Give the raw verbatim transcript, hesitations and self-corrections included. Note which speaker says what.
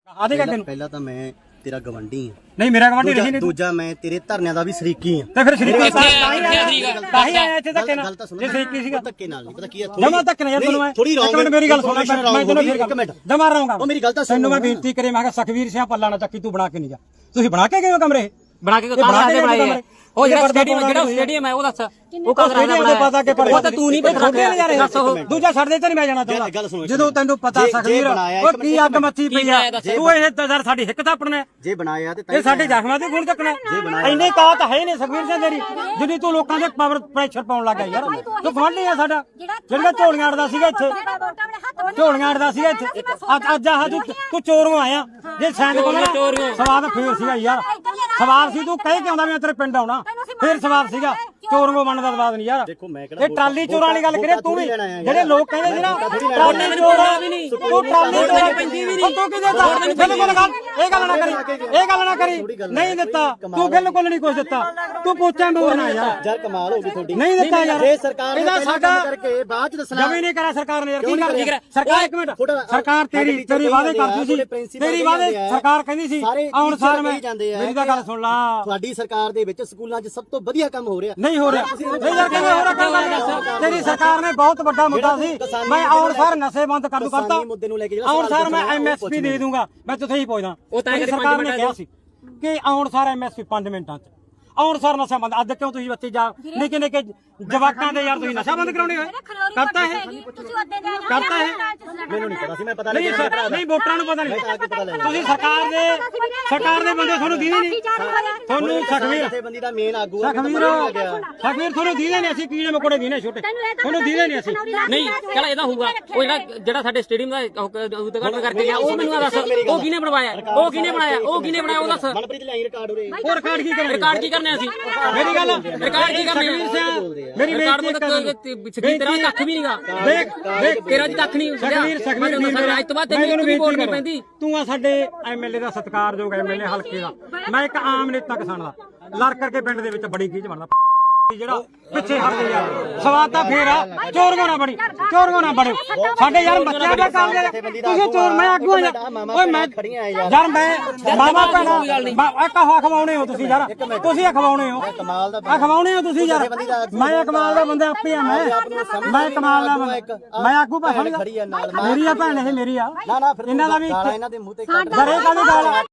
Speaker 1: ਆਦੇ ਕਾ ਤੈਨੂੰ
Speaker 2: ਪਹਿਲਾਂ ਤਾਂ ਮੈਂ ਤੇਰਾ ਗਵੰਡੀ ਆ।
Speaker 1: ਨਹੀਂ ਮੇਰਾ ਗਵਾਂਢੀ ਨਹੀਂ ਨਹੀਂ
Speaker 2: ਦੂਜਾ ਮੈਂ ਤੇਰੇ ਧਰਨਿਆਂ ਦਾ ਵੀ ਸ਼ਰੀਕੀ ਆ।
Speaker 1: ਤੇ ਫਿਰ ਸ਼ਰੀਕੀ ਤਾਂ ਹੀ ਆਇਆ ਇੱਥੇ ਧੱਕੇ ਨਾਲ। ਜੇ ਸ਼ਰੀਕੀ ਸੀਗਾ
Speaker 2: ਧੱਕੇ ਨਾਲ ਨਹੀਂ ਪਤਾ ਕੀ ਹੈ
Speaker 1: ਜਮਾ ਧੱਕੇ ਨਾਲ ਯਾਰ ਤੈਨੂੰ ਮੈਂ
Speaker 2: ਥੋੜੀ
Speaker 1: ਇੱਕ ਮਿੰਟ ਮੇਰੀ ਗੱਲ ਸੁਣ ਮੈਂ ਤੈਨੂੰ ਫਿਰ
Speaker 2: ਇੱਕ ਮਿੰਟ
Speaker 1: ਜਮਾ ਰਹਾਂਗਾ
Speaker 2: ਉਹ ਮੇਰੀ ਗੱਲ ਤਾਂ
Speaker 1: ਤੈਨੂੰ ਮੈਂ ਬੇਨਤੀ ਕਰੇ ਮੈਂ ਕਿਹਾ ਸਖਵੀਰ ਸਿੰਘ ਪੱਲਾ ਨਾ ਚੱਕੀ ਤੂੰ ਬਣਾ ਕੇ ਨਹੀਂ ਜਾ। ਤੁਸੀਂ ਬਣਾ ਕੇ ਗਏ ਹੋ ਕਮਰੇ
Speaker 3: ਬਣਾ ਕੇ ਬਣਾ ਕੇ ਬਣਾਏ ਉਹ ਜਿਹੜਾ ਸਟੇਡੀਅਮ ਜਿਹੜਾ ਸਟੇਡੀਅਮ ਹੈ ਉਹ ਦੱਸ ਉਹ ਕਮਰਾ
Speaker 1: ਬਣਾਇਆ ਪਤਾ ਕਿ
Speaker 3: ਉਹ ਤਾਂ ਤੂੰ ਨਹੀਂ ਪਤਾ ਦੱਸ ਉਹ
Speaker 1: ਦੂਜਾ ਛੱਡ ਦੇ ਤੇ ਨਹੀਂ ਮੈਂ ਜਾਣਾ ਚਾਹੁੰਦਾ ਜਦੋਂ ਤੈਨੂੰ ਪਤਾ ਸਖਵੀਰ ਉਹ ਕੀ ਅੱਗ ਮੱਚੀ ਪਈ ਆ ਤੂੰ ਇਹ ਯਾਰ ਸਾਡੀ ਹਿੱਕ ਤਾਂ ਆਪਣਾ
Speaker 2: ਜੇ ਬਣਾਇਆ ਤੇ
Speaker 1: ਇਹ ਸਾਡੇ ਜ਼ਖਮਾਂ ਤੇ ਗੁਣ ਚੱਕਣਾ ਇੰਨੇ ਕਾ ਤਾਂ ਹੈ ਨਹੀਂ ਸਖਵੀਰ ਸਿੰਘ ਤੇਰੀ ਜਿੰਨੀ ਤੂੰ ਲੋਕਾਂ ਦੇ ਪਾਵਰ ਪ੍ਰੈਸ਼ਰ ਪਾਉਣ ਲੱਗਾ ਯਾਰ ਤੂੰ ਗਵਾਂਢੀ ਆ ਸਾਡਾ ਜਿਹੜਾ ਝੋਲੀਆਂ ਅੜਦਾ ਸੀਗਾ ਇੱਥੇ ਝੋਲੀਆਂ ਅੜਦਾ ਸੀਗਾ ਇੱਥੇ ਅੱਜ ਆਹ ਤੂੰ ਚੋਰੋਂ ਆਇਆ ਜੇ ਸੈਂਦ ਕੋਲ ਸਵਾਦ ਫੇਰ ਸੀਗਾ ਯਾਰ ਸਵਾਦ ਸੀ ਤੂੰ ਕਹਿ ਕੇ ਆਉਂਦਾ ਮੈਂ ਤੇਰੇ ਪਿੰਡ ਆਉਣਾ ਫੇਰ ਸਵਾਦ ਸੀਗਾ ਚੋਰੋਂ ਬਣਨ ਦਾ ਸਵਾਦ ਨਹੀਂ ਯਾਰ ਇਹ ਟਰਾਲੀ ਚੋਰਾਂ ਵਾਲੀ ਗੱਲ ਕਰੇ ਤੂੰ ਵੀ ਜਿਹੜੇ ਲੋਕ ਕਹਿੰਦੇ ਸੀ ਨਾ ਟਰਾਲੀ ਚੋਰਾਂ ਵੀ ਨਹੀਂ ਤੂੰ ਟਰਾਲੀ ਚੋਰਾਂ ਪੈਂਦੀ ਵੀ ਨਹੀਂ ਤੂੰ ਕਿਹਦੇ ਦਿੱਤਾ ਬਿਲਕੁਲ ਗੱਲ ਇਹ ਗੱਲ ਨਾ ਕਰੀ ਇਹ ਗੱਲ ਨਾ ਕਰੀ ਨਹੀਂ ਦਿੱਤਾ ਤੂੰ ਬਿਲਕੁਲ ਨਹੀਂ ਕੁਝ ਦਿੱਤਾ ਤੂੰ ਪੋਚਾਂ ਦੂਰਨਾ ਯਾਰ
Speaker 2: ਯਾਰ ਕਮਾਲ ਹੋ ਗਈ ਤੁਹਾਡੀ
Speaker 1: ਨਹੀਂ ਦਿੱਤਾ ਯਾਰ
Speaker 2: ਜੇ ਸਰਕਾਰ ਨੇ
Speaker 1: ਇਹਦਾ ਸਾਡਾ
Speaker 2: ਕਰਕੇ ਬਾਅਦ ਚ ਦੱਸਣਾ
Speaker 1: ਜਮੀ ਨਹੀਂ ਕਰਿਆ ਸਰਕਾਰ ਨੇ ਯਾਰ ਕੀ ਕਰਦੀ ਸਰਕਾਰ ਇੱਕ ਮਿੰਟ ਸਰਕਾਰ ਤੇਰੀ ਤੇਰੀ ਵਾਅਦੇ ਕਰਦੀ ਸੀ ਤੇਰੀ ਵਾਅਦੇ ਸਰਕਾਰ ਕਹਿੰਦੀ ਸੀ ਆਉਣ ਸਾਰ ਮੈਂ ਮੇਰੀ ਤਾਂ ਗੱਲ ਸੁਣ ਲਾ
Speaker 2: ਤੁਹਾਡੀ ਸਰਕਾਰ ਦੇ ਵਿੱਚ ਸਕੂਲਾਂ 'ਚ ਸਭ ਤੋਂ ਵਧੀਆ ਕੰਮ ਹੋ ਰਿਹਾ
Speaker 1: ਨਹੀਂ ਹੋ ਰਿਹਾ ਨਹੀਂ ਯਾਰ ਕਿਵੇਂ ਹੋ ਰਿਹਾ ਕੰਮ ਤੇਰੀ ਸਰਕਾਰ ਨੇ ਬਹੁਤ ਵੱਡਾ ਮੁੱਦਾ ਸੀ ਮੈਂ ਆਉਣ ਸਾਰ ਨਸ਼ੇ ਬੰਦ ਕਰ ਦੂ ਕਰਤਾ ਆਉਣ ਸਾਰ ਮੈਂ ਐਮਐਸਪੀ ਦੇ ਦੂੰਗਾ ਮੈਂ ਤੁਥੇ ਹੀ ਪੁੱਛਦਾ ਸਰਕਾਰ ਨੇ ਕਿਹਾ ਸੀ ਕਿ ਆਉਣ ਸਾਰ ਐਮਐਸਪੀ ਪੰਜ ਮਿੰਟਾਂ 'ਚ ਆਉਣ ਸਾਰ ਨਸ਼ਾ ਬੰਦ ਅੱਜ ਕਿਉਂ ਤੁਸੀਂ ਬੱਚੇ ਜਾ ਨਿੱਕੇ ਨਿੱਕੇ ਜਵਾਕਾਂ ਦੇ ਯਾਰ ਤੁਸੀਂ ਨਸ਼ਾ ਬੰਦ ਕਰਾਉਣੇ ਹੋਏ ਕਰਤਾ ਹੈ ਕਰਤਾ ਹੈ
Speaker 2: ਮੈਨੂੰ ਨਹੀਂ ਪਤਾ ਸੀ ਮੈਂ ਪਤਾ
Speaker 1: ਨਹੀਂ ਨਹੀਂ ਵੋਟਰਾਂ ਨੂੰ ਪਤਾ ਨਹੀਂ ਤੁਸੀਂ ਸਰਕਾਰ ਦੇ ਸਰਕਾਰ ਦੇ ਬੰਦੇ ਤੁਹਾਨੂੰ ਦੀਦੇ ਨਹੀਂ ਤੁਹਾਨੂੰ ਸਖਵੀਰ
Speaker 2: ਜਥੇਬੰਦੀ ਦਾ ਮੇਨ ਆਗੂ ਹੈ
Speaker 1: ਸਖਵੀਰ ਸਖਵੀਰ ਤੁਹਾਨੂੰ ਦੀਦੇ ਨਹੀਂ ਅਸੀਂ ਕੀੜੇ ਮਕੋੜੇ ਦੀਨੇ ਛੋਟੇ ਤੁਹਾਨੂੰ ਦੀਦੇ ਨਹੀਂ ਅਸੀਂ
Speaker 3: ਨਹੀਂ ਚਲ ਇਹਦਾ ਹੋਊਗਾ ਉਹ ਜਿਹੜਾ ਜਿਹੜਾ ਸਾਡੇ ਸਟੇਡੀਅਮ ਦਾ ਉਦਘਾਟਨ ਕਰਕੇ ਗਿਆ ਉਹ ਮੈਨੂੰ ਦੱਸ ਉਹ ਕਿਹਨੇ ਬਣਵਾਇਆ ਉਹ ਕਿਹਨੇ ਬਣਾਇਆ ਉਹ ਕਿਹਨੇ ਬਣਾਇਆ ਉਹ ਦੱਸ
Speaker 2: ਮਨਪ੍ਰੀਤ ਲਾਈ ਰਿਕਾਰਡ ਹੋ ਰਿਹਾ
Speaker 1: ਹੋਰ ਰਿਕਾਰਡ ਕੀ ਕਰਨਾ
Speaker 3: ਰਿਕਾਰਡ ਕੀ ਕਰਨਾ ਅਸੀਂ
Speaker 1: ਮੇਰੀ ਗੱਲ
Speaker 3: ਰਿਕਾਰਡ ਕੀ ਕਰਨਾ
Speaker 1: ਮੇਰੀ
Speaker 3: ਰਿਕਾਰਡ ਮਤਲਬ ਤੇਰਾ ਕੱਖ ਵੀ ਨਹੀਂਗਾ
Speaker 1: ਦੇਖ ਦੇਖ
Speaker 3: ਤੇਰਾ ਜੀ ਕੱਖ ਨਹੀਂ
Speaker 1: ਸਖਵੀਰ ਸਖਵੀਰ
Speaker 3: ਅੱਜ ਤੋਂ ਬਾਅਦ ਤੈਨੂੰ ਵੀ ਵੋਟ ਨਹੀਂ ਪੈਂਦੀ
Speaker 1: ਤੂੰ ਆ ਸਾਡੇ ਐਮਐਲਏ ਦਾ ਸਤਿਕਾਰਯੋਗ ਐਮਐਲਏ ਹਲਕੇ ਦਾ ਮੈਂ ਇੱਕ ਆਮ ਨੇਤਾ ਕਿਸਾਨ ਦਾ ਲੜ ਕਰਕੇ ਪਿੰਡ ਦੇ ਵਿੱਚ ਬੜੀ ਗੀਜ ਬਣਦਾ ਜਿਹੜਾ ਪਿੱਛੇ ਹਟ ਗਿਆ ਸਵਾਦ ਤਾਂ ਫੇਰ ਆ ਚੋਰਗੋ ਨਾ ਬਣੀ ਚੋਰਗੋ ਨਾ ਬਣੇ ਸਾਡੇ ਯਾਰ ਬੱਚਿਆਂ ਦਾ ਕੰਮ ਦੇ ਤੁਸੀਂ ਚੋਰ ਮੈਂ ਆਗੂ ਆ ਓਏ ਮੈਂ ਯਾਰ ਮੈਂ ਮਾਮਾ ਭੈਣਾ ਆ ਕਹਾ ਖਵਾਉਣੇ ਹੋ ਤੁਸੀਂ ਯਾਰ ਤੁਸੀਂ ਆ ਖਵਾਉਣੇ ਹੋ
Speaker 2: ਕਮਾਲ ਦਾ
Speaker 1: ਆ ਖਵਾਉਣੇ ਹੋ ਤੁਸੀਂ ਯਾਰ ਮੈਂ ਕਮਾਲ ਦਾ ਬੰਦਾ ਆਪੇ ਆ ਮੈਂ ਮੈਂ ਕਮਾਲ ਦਾ ਮੈਂ ਆਗੂ ਭਾਸ਼ਣ ਮੇਰੀ ਆ ਭੈਣ ਇਹ ਮੇਰੀ ਆ
Speaker 2: ਨਾ ਨਾ ਫਿਰ
Speaker 1: ਇਹਨਾਂ ਦਾ ਵੀ
Speaker 2: ਇਹਨਾਂ ਦੇ ਮੂੰਹ ਤੇ
Speaker 1: ਘਰੇ ਕਾਹਦੀ ਗੱਲ